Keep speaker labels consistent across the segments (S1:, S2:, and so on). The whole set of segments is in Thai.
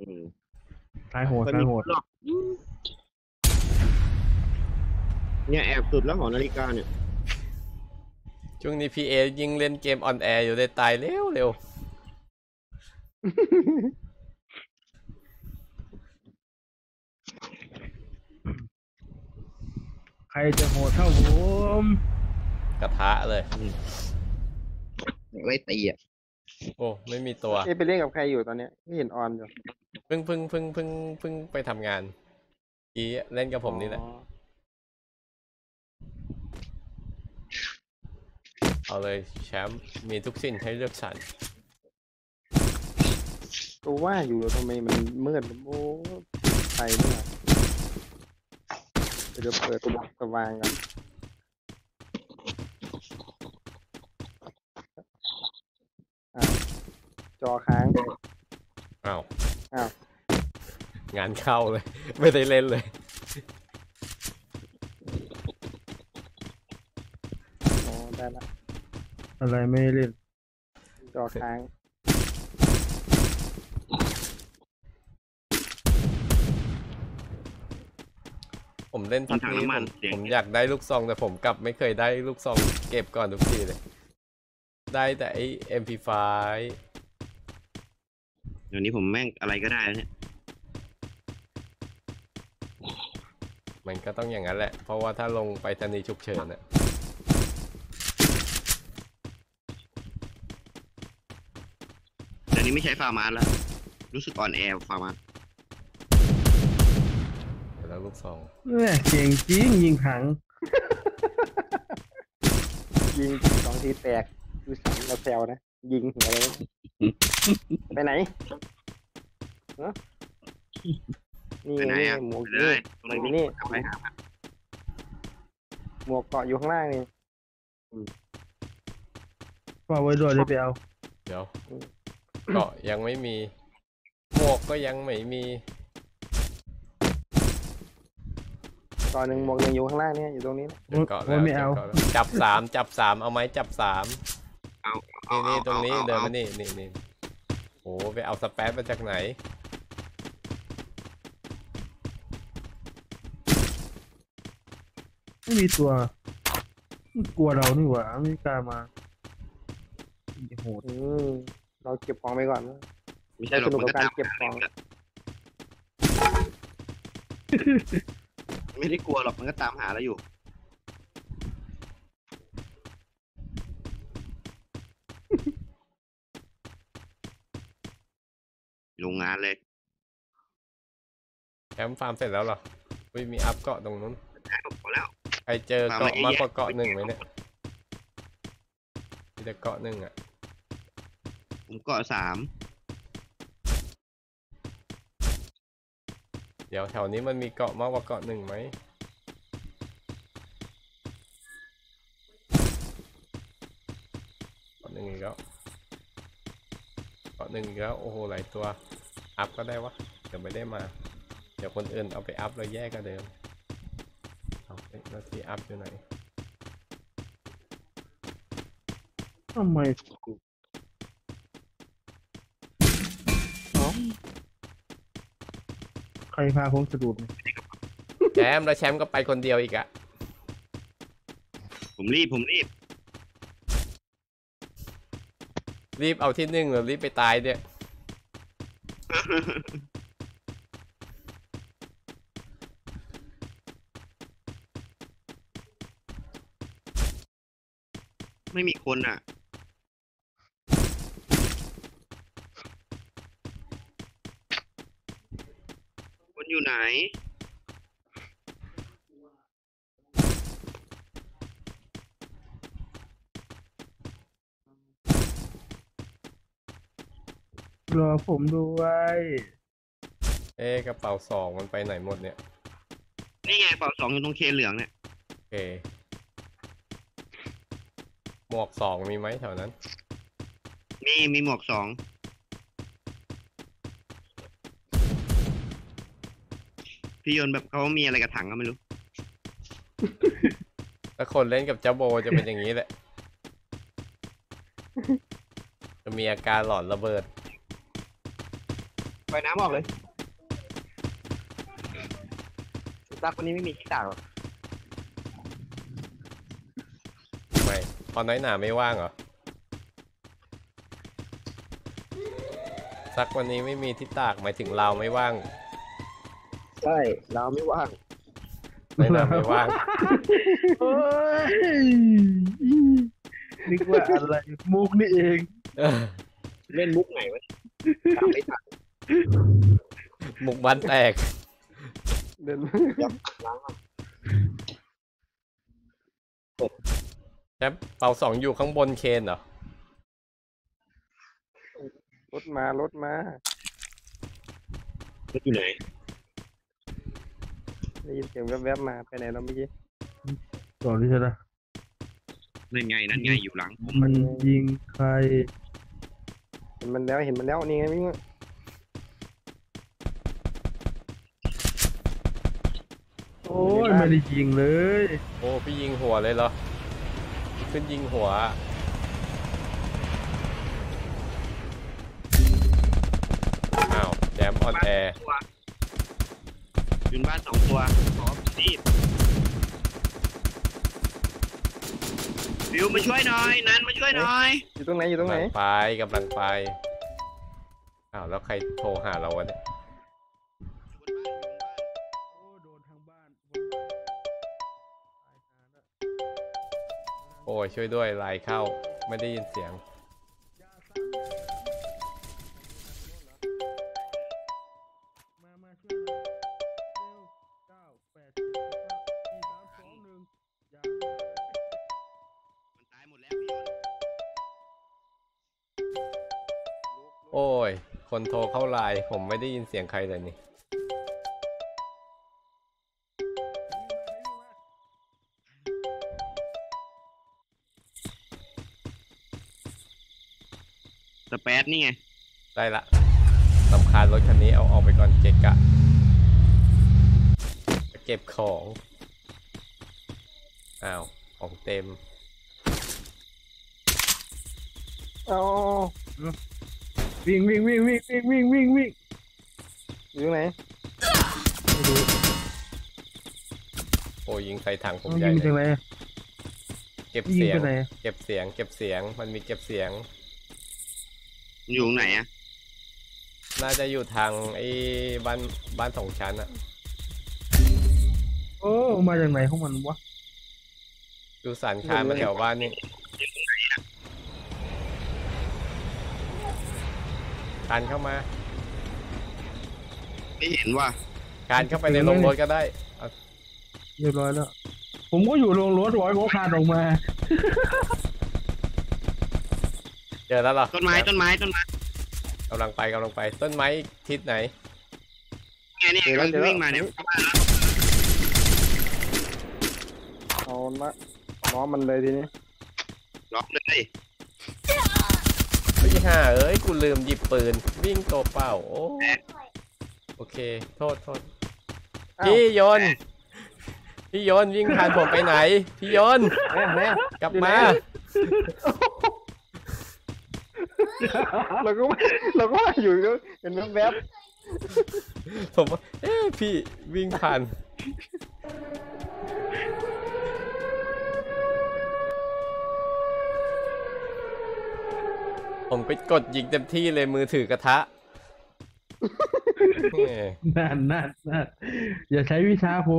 S1: อืม
S2: ตายโหด
S1: เคย
S2: ตายโหด
S1: มีหรอกเนี่ยแอบสุดแล้วหอนาฬิกาเนี่ย
S3: ช่วงนี้พีเอยิงเล่นเกมออนแอร์อยู่ได้ตายเร็วเร็ว
S2: ใครจะโหดเท่าผม
S3: กระทะเลย
S1: ไว้ตีอ่ะ
S3: โอ้ไม่มีตัว
S4: เอ๊ะไปเล่นกับใครอยู่ตอนเนี้ยไม่เห็นออนอยู่
S3: เพิ่งไปทำงานอีเล่นกับผมนี่แหละ
S4: อ๋อ
S3: เอาเลยแชมป์มีทุกสิ่งให้เลือกสรร
S4: ก็ว่าอยู่ทำไมมันมืดโอ้ไฟเนี่ยเดี๋ยวเปิดสว่างกันอ่ะจอค้าง
S3: อ้าว
S4: อ้าว
S3: งานเข้าเลย ไม่ได้เล่นเลย
S4: อ๋อได้ละ
S2: อะไรไม่ได้เล่น
S4: จอค้าง
S3: ผมเล่นพักนี้ผมอยากได้ลูกซองแต่ผมกลับไม่เคยได้ลูกซองเก็บก่อนทุกทีเลย ได้แต่ไอ้ MP5
S1: เดี๋ยวนี้ผมแม่งอะไรก็ได้แล้วเนี่ย
S3: มันก็ต้องอย่างนั้นแหละ เพราะว่าถ้าลงไปทันีย์ฉุกเฉินน่ะ
S1: เดี๋ยวนี้ไม่ใช้ฟาร์มาสแล้วรู้สึกอ่อนแอฟาร์มาส
S3: แล้วลูกซอง
S2: เก่งจริงยิงถัง
S4: ยิง2 ทีแตกดูสันเราแซวนะยิงหัวเลยไปไหนฮะนี่
S1: ไปไหน
S4: นี่
S1: อ่ะ
S4: หมวก
S1: ไปเล
S4: นี่
S1: ยตรง
S4: หมวก
S1: นี้
S4: นี่
S1: กลับไปหามัน
S4: หมวกเกาะอยู่ข้างล่างนี่
S2: ก็ไว้ด้วยเลยไปเอา
S3: เดี๋ยวเกาะยังไม่มีหมวกก็ยังไม่มี
S4: เกาะหนึ่งหมวกหนึ่งอยู่ข้างล่างเนี่ยอยู่ตรงนี้นะ
S3: เดี๋ยวเกาะแล้ว
S2: ไม่เอา
S3: เดี๋ยวเกาะแล้วจับสามเอาไหมจับสาม
S1: เอา
S3: นี่ตรงนี้
S1: อา
S3: เดิน
S1: อา
S3: มานี่โอ้ไปเอาสเปซมาจากไหน
S2: ไม่มีตัวมันกลัวเรานี่หว่าไม่กล้ามาโหด
S4: เราเก็บของไปก่อนนะ
S1: ไม่ใช่หรอก
S4: สนุก
S1: มัน
S4: กับ
S1: ก็
S4: การ
S1: ตาม
S4: เก็บของ
S1: ไม่ได้กลัวหรอกมันก็ตามหาเราอยู่โรงงานเลย
S3: แคมป์ฟาร์มเสร็จแล้วเหรอมีอัพเกาะตรงนู้น
S1: ได้พอแล้ว
S3: ใครเจอเกาะมากกว่าเกาะหนึ่งไหมเนี่ยมีแต่เกาะหนึ่งอ่ะ
S1: ผมเกาะ3
S3: เดี๋ยวแถวนี้มันมีเกาะมากกว่าเกาะหนึ่งไหมเกาะหนึ่งอีกแล้วเกาะหนึ่งอีกแล้วโอ้โหหลายตัวอัพก็ได้วะเดี๋ยวไม่ได้มาเดี๋ยวคนอื่นเอาไปอัพแล้วแยกกันเดิมเอาแล้วที่อัพอยู่ไหน
S2: ทำไมใครพาผมสะดุดเนี่ย
S3: แชมป์แล้วแชมป์ก็ไปคนเดียวอีกอะ
S1: ผมรีบ
S3: รีบเอาที่หนึ่งหรือรีบไปตายเนี่ย
S1: ไม่มีคนอ่ะคนอยู่ไหน
S2: รอผมด้วย
S3: กระเป๋าสองมันไปไหนหมดเนี่ย
S1: นี่ไงเป่า2อยู่ตรงเคนเหลืองเนี่ย
S3: โอเคหมวกสองมีไหมแถวนั้น
S1: มีหมวก2พี่ยนต์แบบเขามีอะไรกับถังก็ไม่รู้
S3: ถ้าคนเล่นกับเจ้าโบจะเป็นอย่างนี้แหละ จะมีอาการหลอนระเบิด
S1: ปล่อยน้ำออกเลยรักวันนี้ไม่มีที่ตากหรอก
S3: ไม่พอน้อยหนาไม่ว่างเหรอซักวันนี้ไม่มีที่ตากหมายถึงเราไม่ว่าง
S1: ใช่เราไม่ว่าง
S3: น้อยหนาไม่ว่าง
S2: โอ้ยนึกว่าอะไรมุกนี่เอง
S1: เล่นมุกไหนวะตามไม่ทัน
S3: หมุกบ้านแตก
S4: เดิน
S1: ยับล้างก่อน
S3: แชมป์เป่าสองอยู่ข้างบนเคนเหรอ
S4: รถมารถมา
S1: รถอยู่ไหน
S4: ได้ยินเสียงแวบๆมาไปไหนเราเมื่อกี้
S2: ก่อนที่จะนะ
S1: นั่นไงนั่นไงอยู่หลังผม
S2: มันยิงใคร
S4: เห็นมันแล้วนี่ไงวิ่งมา
S2: โอ้ยไม่ได้ยิงเลย
S3: โอ้พี่ยิงหัวเลยเหรอขึ้นยิงหัวอ้าวแจมออนแอร์
S1: ยืนบ้าน2 ตัวขอรีบฟิวมาช่วยหน่อยนันมาช่วยหน่อย
S4: อยู่ตรงไหนอยู่ตรงไหน
S3: กำลังไปอ้าวแล้วใครโทรหาเราวะเนี่ย
S2: โอ้โดนทางบ้าน
S3: โอ้ยช่วยด้วยไลน์เข้าไม่ได้ยินเสียง
S2: มาช่วยเร็ว9 8 7 4 3 2 1อย่า
S1: มันตายหมดแล้วพี่ยนต์
S3: โอ้ยคนโทรเข้าไลน์ผมไม่ได้ยินเสียงใครเลยนี่
S1: สเปซนี่ไง
S3: ได้ละสำคัญรถคันนี้เอาออกไปก่อนเกะกะเก็บของอ้าวของเต็ม
S4: เอา
S2: วิ่งอยู่ตรงไหน
S4: ไม่รู้
S3: โอ้ยยิงใส่ถังผม
S2: ต้อง
S3: ใหญ่
S2: ยิง
S3: เล
S2: จาก
S3: ย
S2: ไหน
S3: เก็บ
S2: ยิง
S3: เสียง
S2: ไปไหน
S3: เก็บเสียงมันมีเก็บเสียง
S1: มันอยู่ตรงไหนอะ
S3: น่าจะอยู่ทางไอ้บ้านสองชั้นอะ
S2: โอ้มาจากไหนของมันวะ
S3: ดูสันคานมาแถวบ้านนี่คานเข้ามา
S1: ไม่เห็นว่า
S3: คานเข้าไปในโรงรถก็ได้เอา
S2: เรียบร้อยแล้ว ผมก็อยู่โรงรถร้อยเขาคานออกมา
S3: เจอแล้วเหรอ
S1: ต้นไม้ต้นไม้ต้นไม้
S3: กำลังไปต้นไม้ทิศไหน
S1: ไงเนี่ยกำลังวิ่งมาเนี่ยเข้าบ้านแล้ว
S4: เอาละล้อมันเลยทีนี้
S1: ล็อกเลย
S3: พี่ห่าเอ้ยกูลืมหยิบปืนวิ่งตัวเปล่าโอเคโทษ
S4: อ้าว
S3: พี่ยนต์วิ่งผ่านผมไปไหนพี่ยนต์
S4: แม่
S3: กลับมา
S4: เราก็ว่าอยู่ก็เห็นแวบ
S3: ผมว่าเอ๊ะพี่วิ่งผ่านผมก็กดยิงเต็มที่เลยมือถือกระทะแหม่
S2: นั่นอย่าใช้วิชาผม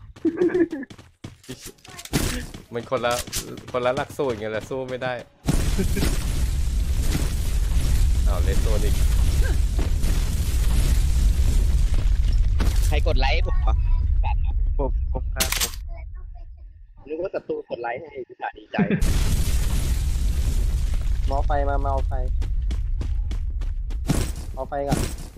S3: มันคนละหลักสูตรไงแหละสู้ไม่ได้อ้าวเล่นตัวอีก
S1: ใครกดไลค์ผมเหรอ
S2: ผมครับผม
S1: นึกว่าศัตรูกดไลค์ให้พิธาดีใจ
S4: ๆมอไฟมาเอาไฟก่อน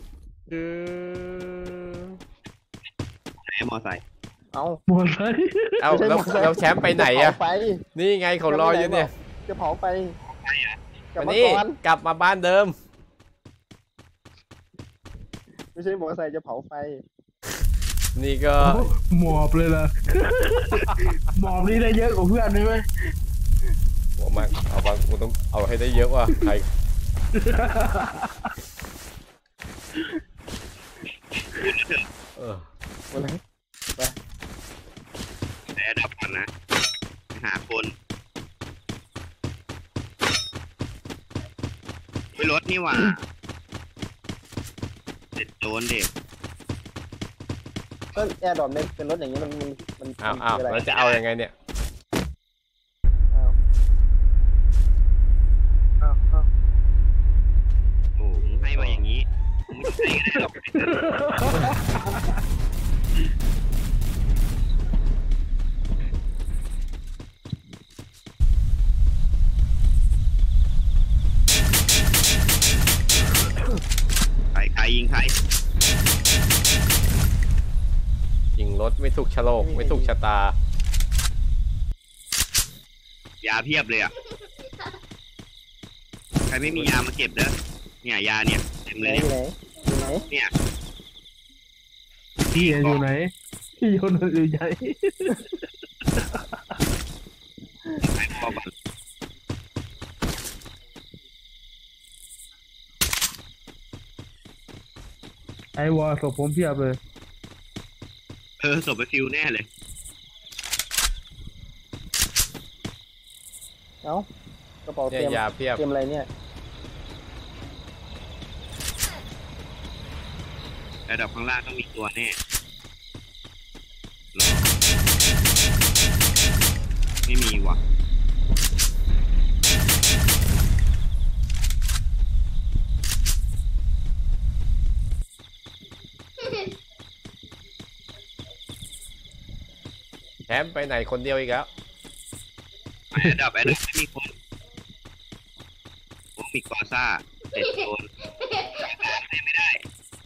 S1: ไหนมอไซค์
S4: เอา
S2: หมดเลย
S3: เอาแล้วแชมป์ไปไหนอะ
S4: จเผาไฟ
S3: นี่ไงเขารออยู่เนี่ย
S4: จะเผาไฟกลับ
S3: วัน
S4: มา
S3: นี้
S4: ก่อน
S3: กลับมาบ้านเดิม
S4: ไม่ใช่มอเตอร์ไซค์จะเผาไฟ
S3: นี่ก็
S2: หมอบเลยล่ะ หมอบนี่ได้เยอะกว่าเพื่อนใช่ไหม
S3: หัวมากเอาบางกูต้องเอาให้ได้เยอะว่ะใคร
S1: นี่หว่าเด็ดโดนเด็ก
S4: ก็แอร์ดรอปเนี่ยเป็นรถอย่างนี้มัน
S3: อ้าว
S4: คืออะไร
S3: แล้วจะเอายังไงเนี่ย
S4: อ้าวอ้าวอ้าว
S1: โอ้มึงให้มาอย่างนี้มึงไม่ให้ก็ได้หรอกใครยิงใคร
S3: ยิงรถไม่ถูกชะโลกไม่ถูกชะตา
S1: ยาเพียบเลยอ่ะใครไม่มียามาเก็บเด้อเนี่ยยาเนี่ยเต็ม
S4: ไห
S1: เล
S4: น
S1: ย
S4: อยู่ไหน
S1: เนี่ย
S2: พี่อยู่ไหนพี่อยู่ไหน
S1: ใครบอกก่อน
S2: ไอวอลศพผมเพียบเลย
S1: ศพไปฟิวแน่เลย
S4: เอ้ากระเป๋า
S3: เนี่
S4: เต
S3: ย
S4: รียม
S3: ยาเพียบ
S4: เตรียมอะไรเนี่ย
S1: ระดับข้างล่างต้องมีตัวแน่ไม่มีว่ะ
S3: แชมป์ไปไหนคนเดียวอีกแล้ว
S1: ระดับไม่มีคนผมมีกอซ่าเจ็ดโดนไม่ได้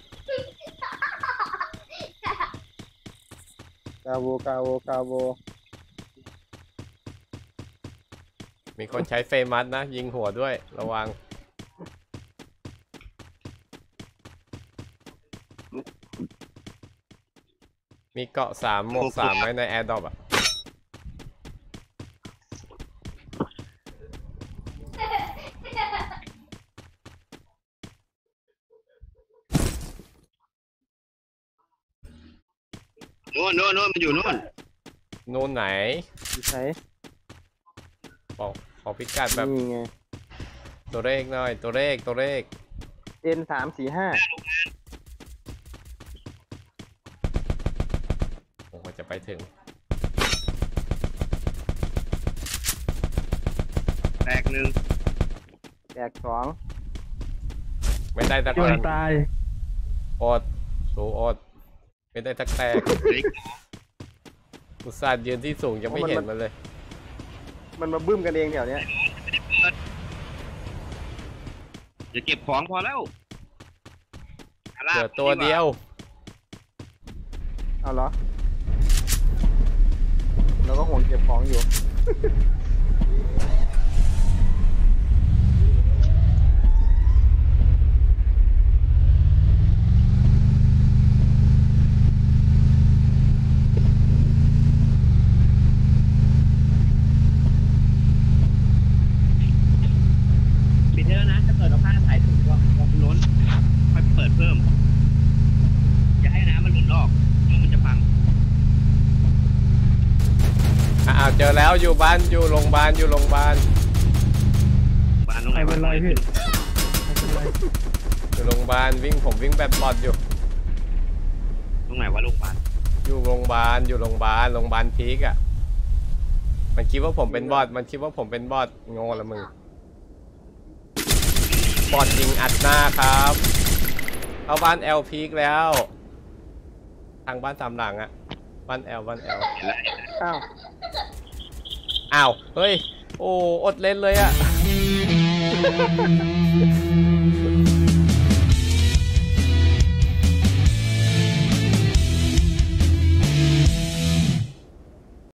S4: กาโวกาโวกาโว
S3: มีคนใช้เฟมัสนะ ยิงหัวด้วยระวัง มีเกาะ3 หมวก 3 ไว้ในแอร์ดรอปอ่ะ
S1: โน่นมันอยู่โน่น
S3: นู่นไหน
S4: อยู่ไหน
S3: บอกขอพิกัดแบบ
S4: นี่ไง
S3: ตัวเลขหน่อย ตัวเลข
S4: N345
S3: โอ้โหจะไปถึง
S1: แตกหนึ่ง
S4: แตกสอง
S3: ไม่ได้ตะ
S2: จ
S3: กอน น
S2: ตาย
S3: อดสูอด ไม่ได้ทักแตก
S1: เล็ก
S3: อุตส่าห์ยืนที่สูงยังไม่เห็นมันเลย
S4: มันมาบึ้มกันเองแถวเนี้ย
S1: จะเก็บของพอแล้ว
S3: เหลือตัวเดียว
S4: เอาเหรอเราก็ห่วงเก็บของอยู่
S1: ปิดได้แล้วนะถ้าเกิดเราพลาดสายถูกว่าล้นค่อยเปิดเพิ่มอย่าให้น้ำมันล้นออกเดี๋ยวมันจะพัง
S3: อ้าวเจอแล้วอยู่บ้านอยู่โรงพยาบาลอยู่โรงพยาบาล
S1: บ้านตรงไหน
S2: ไม่เป็นไรพี่ไม่เป็นไร
S3: อยู่โรงพยาบาลผมวิ่งแบบบอดอยู่
S1: ตรงไหนวะโรงพยาบาล
S3: อยู่โรงพยาบาลอยู่โรงพยาบาลพีกอ่ะ มันคิดว่าผมเป็นบอดโง่ละมึงบอดยิงอัดหน้าครับเอาบ้านแอลพีกแล้ว ทางบ้านตามหลังอ่ะบ้านแอล
S4: อ้าว
S3: อ้าวเฮ้ยโอ้อดเล่นเลยอ่ะ